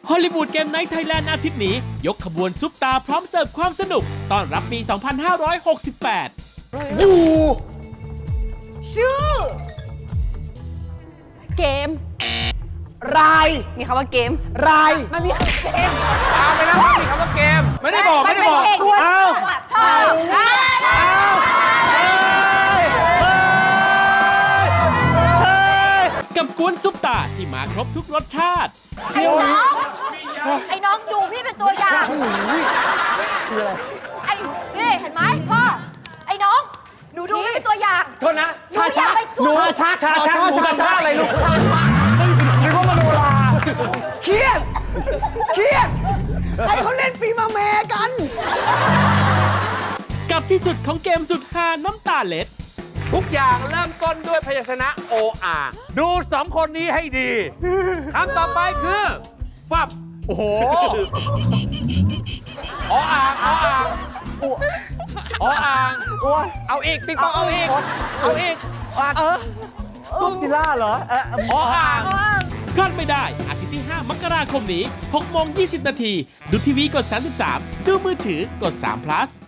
ฮอลลีวูดเกมไนท์ไทยแลนด์อาทิตย์นี้ยกขบวนซุปตาพร้อมเสิร์ฟความสนุกต้อนรับปี 2568 อยู่ชื่อ เกมรายมีคำว่าเกมรายมันมีคำว่าเกมเอาไปแล้วมีคำว่าเกม ไม่ได้บอก ไม่ได้บอกเอาชอบได้กับกวนซุปตาที่มาครบทุกรสชาติไอ้น้องดูพี่เป็นตัวอย่างไอ้นี่เห็นไหมพ่อ ไอ้น้องหนูดูพี่เป็นตัวอย่างโทษนะหนูอย่าไปถูกช้าหนูทำท่าอะไรลูกนึกว่ามโนราเครียดเครียดใครเขาเล่นปีมาแม่กันกับที่สุดของเกมสุดฮาน้ำตาเล็ดทุกอย่างเริ่มต้นด้วยพยัญชนะ OR ดูสองคนนี้ให้ดี คำต่อไปคือ ฟับโอ้โหออ่างออ่างออ่างเอาอีกปิงปองเอาอีก เอาอีกตุ๊กกีล่าเหรอออ่างพลาดไม่ได้อาทิตย์ที่ 5 มกราคมนี้ 6:20 น. ดูทีวีกด 33 ดูมือถือกด3 plus